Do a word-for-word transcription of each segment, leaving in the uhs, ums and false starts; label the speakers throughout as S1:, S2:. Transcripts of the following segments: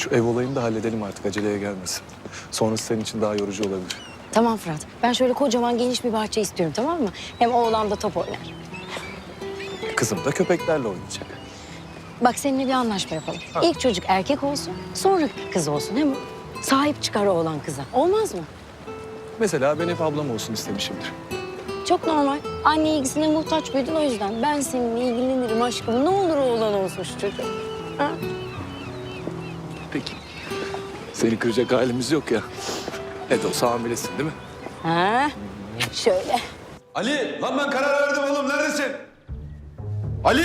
S1: Şu ev olayını da halledelim artık, aceleye gelmesin. Sonrası senin için daha yorucu olabilir.
S2: Tamam Fırat. Ben şöyle kocaman geniş bir bahçe istiyorum, tamam mı? Hem oğlan da top oynar.
S1: Kızım da köpeklerle oynayacak.
S2: Bak seninle bir anlaşma yapalım. İlk çocuk erkek olsun, sonra kız olsun. Hem sahip çıkar oğlan kıza. Olmaz mı?
S1: Mesela ben hep ablam olsun istemişimdir.
S2: Çok normal. Anne ilgisine muhtaç büyüdün, o yüzden. Ben seninle ilgilenirim aşkım. Ne olur oğlan olsun şu çocuk. Ha?
S1: Peki. Seni kıracak halimiz yok ya. Ne de olsa hamilesin değil mi?
S2: Ha? Şöyle.
S3: Ali, lan ben karar verdim oğlum. Neredesin? Ali!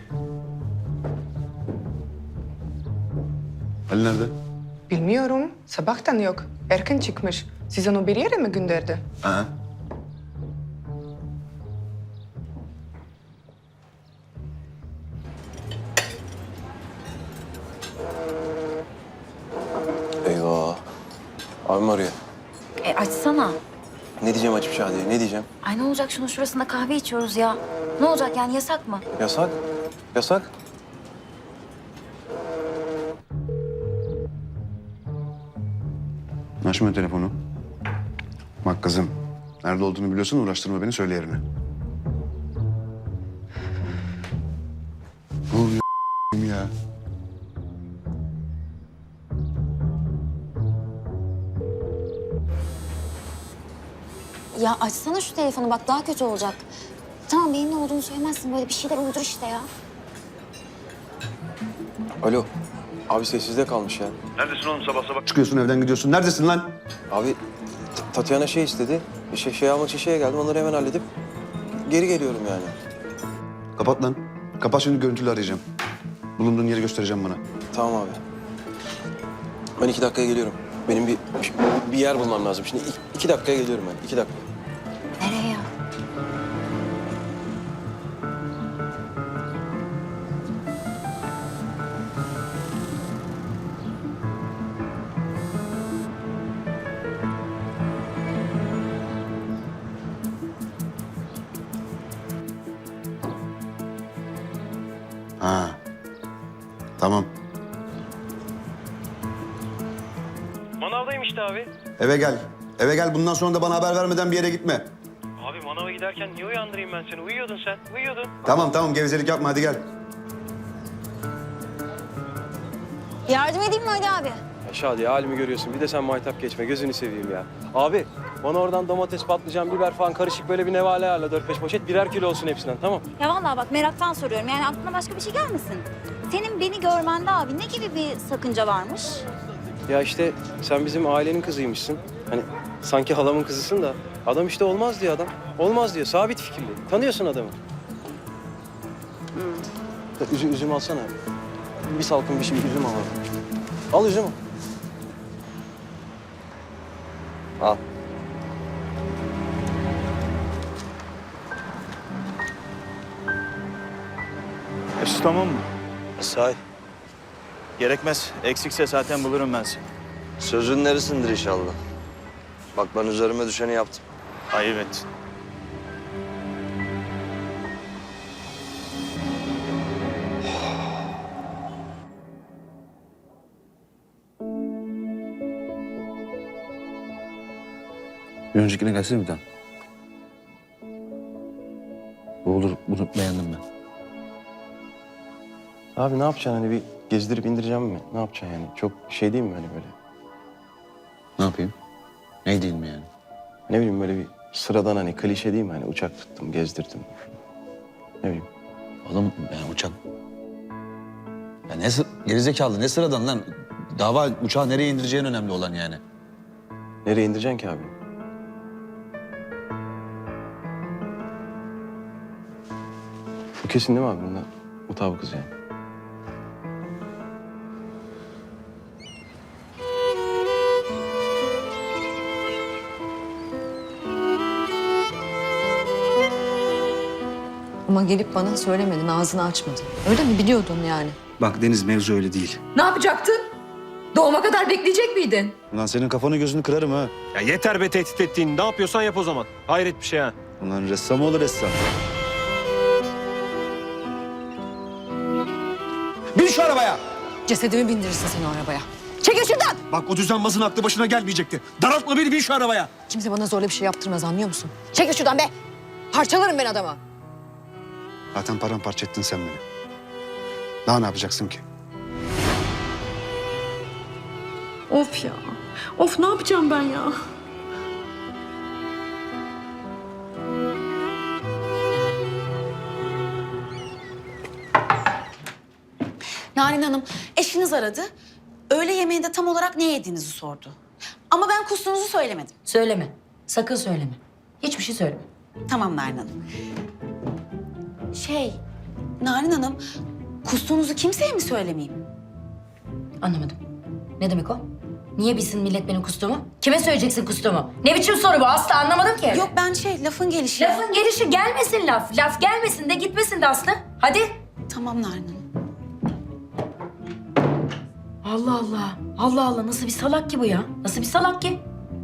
S3: Ali nerede?
S4: Bilmiyorum. Sabahtan yok. Erken çıkmış. Siz onu bir yere mi gönderdi?
S3: Ha.
S5: Eyvah. Abim arıyor.
S6: E açsana.
S5: Ne diyeceğim açıp Şadiye, ne diyeceğim?
S6: Ay ne olacak, şunun şurasında kahve içiyoruz ya. Ne olacak yani, yasak mı?
S5: Yasak. Yasak.
S3: Açma telefonu. Bak kızım, nerede olduğunu biliyorsun, uğraştırma beni, söyle yerini. Ne oluyor ya?
S6: Ya açsana şu telefonu, bak daha kötü olacak. Tamam, benim ne olduğunu söylemezsin, böyle bir şeyler uydur işte ya.
S5: Alo. Abi sessizde kalmış ya.
S3: Neredesin oğlum sabah sabah? Çıkıyorsun evden gidiyorsun. Neredesin lan?
S5: Abi T- Tatyana şey istedi. Bir şey, şey almak için şeye geldim. Onları hemen halledip geri geliyorum yani.
S3: Kapat lan. Kapat, şimdi görüntülü arayacağım. Bulunduğun yeri göstereceğim bana.
S5: Tamam abi. Ben iki dakikaya geliyorum. Benim bir bir yer bulmam lazım. Şimdi iki, iki dakikaya geliyorum ben. İki dakika.
S6: Nereye ya?
S3: Ha. Tamam.
S7: Manavdayım işte abi.
S3: Eve gel. Eve gel. Bundan sonra da bana haber vermeden bir yere gitme.
S7: Abi manava giderken niye uyandırayım ben seni? Uyuyordun sen, uyuyordun.
S3: Tamam tamam, gevezelik yapma, hadi gel.
S6: Yardım edeyim mi Ali abi?
S5: Ya Şadiye halimi görüyorsun. Bir de sen maytap geçme. Gözünü seveyim ya. Abi bana oradan domates, patlıcan, biber falan karışık böyle bir nevale ayarla. Dört beş poşet. Birer kilo olsun hepsinden, tamam.
S6: Ya vallahi bak, meraktan soruyorum. Yani aklına başka bir şey gelmesin. Senin beni görmende abi ne gibi bir sakınca varmış?
S5: Ya işte sen bizim ailenin kızıymışsın. Hani sanki halamın kızısın da adam işte olmaz diyor adam. Olmaz diyor. Sabit fikirli. Tanıyorsun adamı. Hmm. Üzüm, üzüm alsana. Bir salkım bir şey üzüm al. Al üzüm. Al.
S7: Hepsi tamam mı?
S8: Say,
S7: Gerekmez. Eksikse zaten bulurum ben seni.
S8: sözün neresindir inşallah? Bak ben üzerime düşeni yaptım.
S7: Ayıp et.
S3: Bir öncekine gelsene bir daha. Bu olur, bunu beğendim ben.
S5: Abi ne yapacaksın hani bir gezdirip indireceğim mi? Ne yapacaksın yani? Çok şey değil mi hani böyle?
S3: Ne yapayım? Ne değil mi yani?
S5: Ne bileyim böyle bir sıradan hani klişe değil mi? Hani uçak tuttum, gezdirdim. Ne bileyim.
S9: Oğlum yani uçak... Ya ne sı- gerizekalı, ne sıradan lan? Dava uçağı nereye indireceğin önemli olan yani.
S5: Nereye indireceksin ki abi? Bu kesin değil mi abi? Bunda mutabıkız yani.
S10: Ama gelip bana söylemedin, ağzını açmadın. Öyle mi? Biliyordun yani.
S3: Bak Deniz, mevzu öyle değil.
S10: Ne yapacaktın? Doğuma kadar bekleyecek miydin?
S3: Ulan senin kafanı gözünü kırarım ha.
S7: Ya yeter be tehdit ettiğin. Ne yapıyorsan yap o zaman. Hayret bir şey ha.
S3: Ulan ressam olur ressam.
S9: Bin şu arabaya!
S10: Cesedimi bindirirsin sen o arabaya. Çekil şuradan!
S9: Bak o düzenbazın aklı başına gelmeyecekti. Daraltma beni, bin şu arabaya.
S10: Kimse bana zorla bir şey yaptırmaz, anlıyor musun? Çekil şuradan be! Parçalarım ben adama.
S3: Zaten paramparça ettin sen beni. Daha ne yapacaksın ki?
S10: Of ya. Of, ne yapacağım ben ya?
S11: Narin Hanım, eşiniz aradı. Öğle yemeğinde tam olarak ne yediğinizi sordu. Ama ben kustuğunuzu söylemedim.
S2: Söyleme. Sakın söyleme. Hiçbir şey söyleme.
S11: Tamam Narin Hanım. Şey, Narin Hanım, kustuğunuzu kimseye mi söylemeyeyim?
S2: Anlamadım. Ne demek o? Niye bilsin millet benim kustuğumu? Kime söyleyeceksin kustuğumu? Ne biçim soru bu? Aslı anlamadım ki.
S11: Yok ben şey, lafın gelişi.
S2: Lafın gelişi gelmesin laf. Laf gelmesin de gitmesin de Aslı. Hadi.
S11: Tamam Narin Hanım.
S2: Allah Allah. Allah Allah. Nasıl bir salak ki bu ya? Nasıl bir salak ki?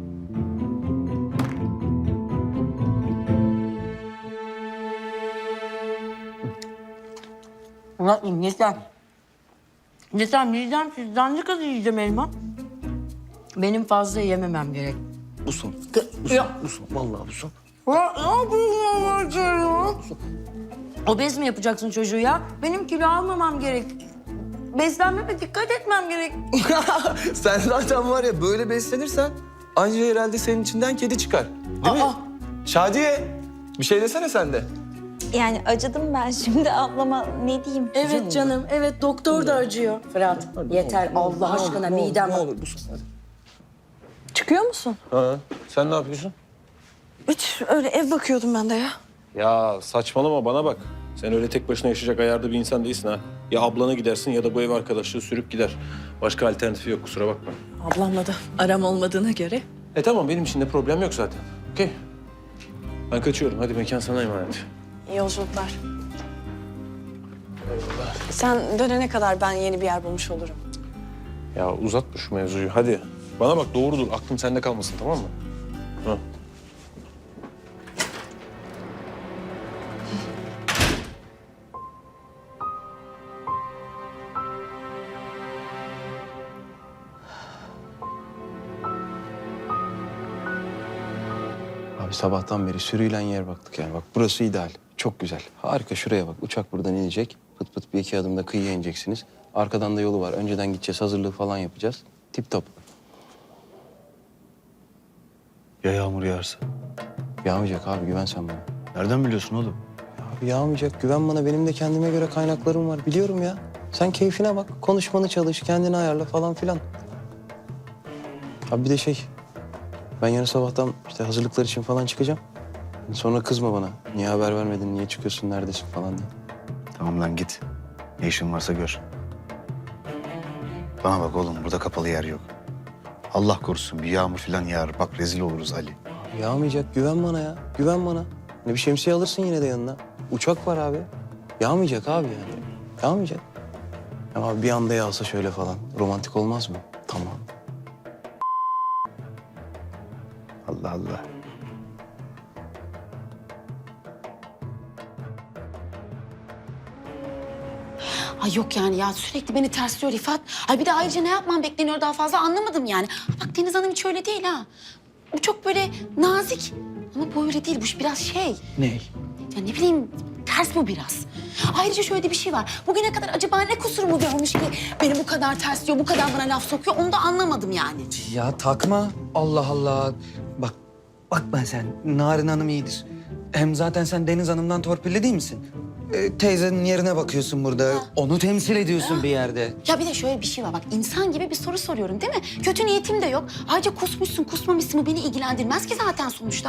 S10: Murat'ım yeter. Yeter, midem sizden ne kadar yiyeceğim elma? Benim fazla yememem gerek.
S1: Bu son.
S10: Ya,
S1: Bu son. Vallahi bu son.
S10: ya ne yapıyorsun ya? Obez mi yapacaksın çocuğu ya? Benim kilo almamam gerek. Beslenmeme dikkat etmem gerek.
S1: Sen zaten var ya böyle beslenirsen anca herhalde senin içinden kedi çıkar. Değil
S10: Aa.
S1: mi? Şadiye bir şey desene sen de.
S6: Yani acıdım ben şimdi ablama, ne diyeyim?
S10: Evet canım, evet doktor da acıyor. Fırat, yeter Allah aşkına midem.
S1: Ne olur bu son hadi.
S10: Çıkıyor musun?
S1: Ha, sen ne yapıyorsun?
S10: Hiç öyle ev bakıyordum ben de ya.
S5: Ya saçmalama bana bak. Sen öyle tek başına yaşayacak ayarda bir insan değilsin ha. Ya ablana gidersin ya da bu ev arkadaşlığı sürüp gider. Başka alternatifi yok kusura bakma.
S10: Ablamla da aram olmadığına göre.
S5: E tamam benim için de problem yok zaten. Okey. Ben kaçıyorum. Hadi mekan sana emanet.
S10: İyi yolculuklar. Sen dönene kadar ben yeni bir yer bulmuş olurum.
S5: Ya uzatma şu mevzuyu hadi. Bana bak doğru dur. Aklım sende kalmasın tamam mı? Ha.
S12: Abi sabahtan beri sürüyle yer baktık yani. Bak burası ideal. Çok güzel. Harika şuraya bak. Uçak buradan inecek. Pıt pıt bir iki adımda kıyıya ineceksiniz. Arkadan da yolu var. Önceden gideceğiz. Hazırlığı falan yapacağız. Tip top.
S3: Ya yağmur yağarsa?
S12: Yağmayacak abi. Güven sen bana.
S3: Nereden biliyorsun oğlum?
S12: Abi yağmayacak. Güven bana. Benim de kendime göre kaynaklarım var. Biliyorum ya. Sen keyfine bak. Konuşmanı çalış. Kendini ayarla falan filan. Abi bir de şey. Ben yarın sabahtan işte hazırlıklar için falan çıkacağım. Sonra kızma bana. Niye haber vermedin, niye çıkıyorsun, neredesin falan diye.
S3: Tamam lan git. Ne işin varsa gör. Bana bak oğlum burada kapalı yer yok. Allah korusun bir yağmur falan yağar. Bak rezil oluruz Ali.
S12: Abi yağmayacak, güven bana ya. Güven bana. Ne bir şemsiye alırsın yine de yanına. Uçak var abi. Yağmayacak abi yani. Yağmayacak. Ama bir anda yağsa şöyle falan. Romantik olmaz mı? Tamam.
S3: Allah Allah.
S11: Ay yok yani ya sürekli beni tersliyor Rifat. Ay bir de ayrıca ne yapmam bekleniyor daha fazla anlamadım yani. Bak Deniz Hanım hiç öyle değil ha. Bu çok böyle nazik. Ama bu öyle değil. Bu biraz şey.
S12: Ne?
S11: Ya ne bileyim ters bu biraz. Ayrıca şöyle de bir şey var. Bugüne kadar acaba ne kusurumu görmüş ki beni bu kadar tersliyor, bu kadar bana laf sokuyor onu da anlamadım yani.
S13: Ya takma. Allah Allah. Bak, bakma sen. Narin Hanım iyidir. Hem zaten sen Deniz Hanım'dan torpilli değil misin? Ee, teyzenin yerine bakıyorsun burada. Onu temsil ediyorsun bir yerde.
S11: Ya bir de şöyle bir şey var bak insan gibi bir soru soruyorum değil mi? Kötü niyetim de yok. Ayrıca kusmuşsun kusmamışsın bu beni ilgilendirmez ki zaten sonuçta.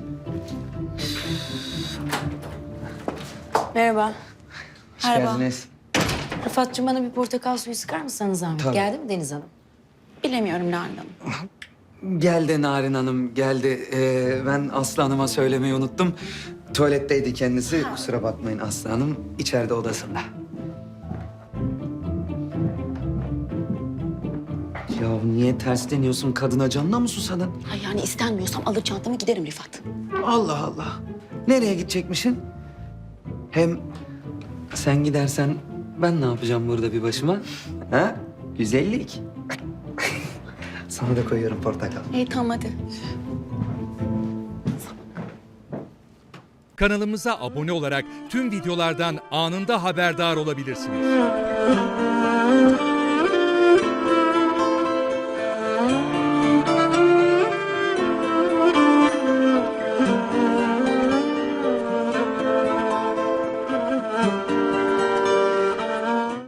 S2: Merhaba.
S13: Hoş
S11: Merhaba.
S13: geldiniz.
S2: Rıfat'cığım bana bir portakal suyu sıkar mısınız zahmet?
S13: Tabii.
S2: Geldi mi Deniz Hanım?
S11: Bilemiyorum Nalan Hanım.
S13: Geldi Narin Hanım, geldi. Ee, ben Aslı Hanım'a söylemeyi unuttum. Tuvaletteydi kendisi. Kusura bakmayın Aslı Hanım. İçeride odasında. Ya niye ters deniyorsun kadına? Canına mı susadın?
S11: Ay yani istenmiyorsam alır çantamı giderim Rifat.
S13: Allah Allah. Nereye gidecekmişsin? Hem sen gidersen ben ne yapacağım burada bir başıma? Ha? Güzellik. Sana da koyuyorum portakal.
S11: İyi tamam hadi.
S14: Kanalımıza abone olarak tüm videolardan anında haberdar olabilirsiniz.